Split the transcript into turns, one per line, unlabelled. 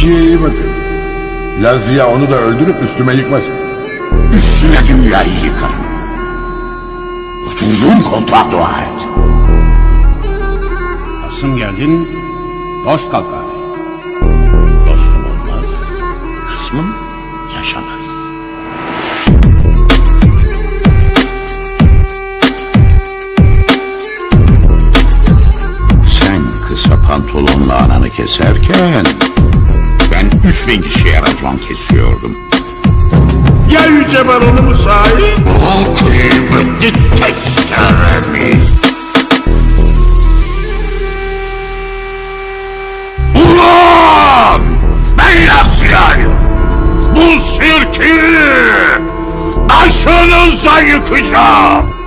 işine iyi bakın. Lazia onu da öldürüp üstüme yıkmasın.
Üstüne dünyayı yıkarım. Oturduğum koltuğa dua et.
Asım geldin, dost kalkar.
Dostum olmaz, kısmım yaşamaz. Sen kısa pantolonla ananı keserken ben 3000 kişiye racon kesiyordum.
Ya Yüce Baron'u sahip?
O kıymetli testeremiz. Ulan! Ben Lazia'yım. Bu sirki başınıza yıkacağım.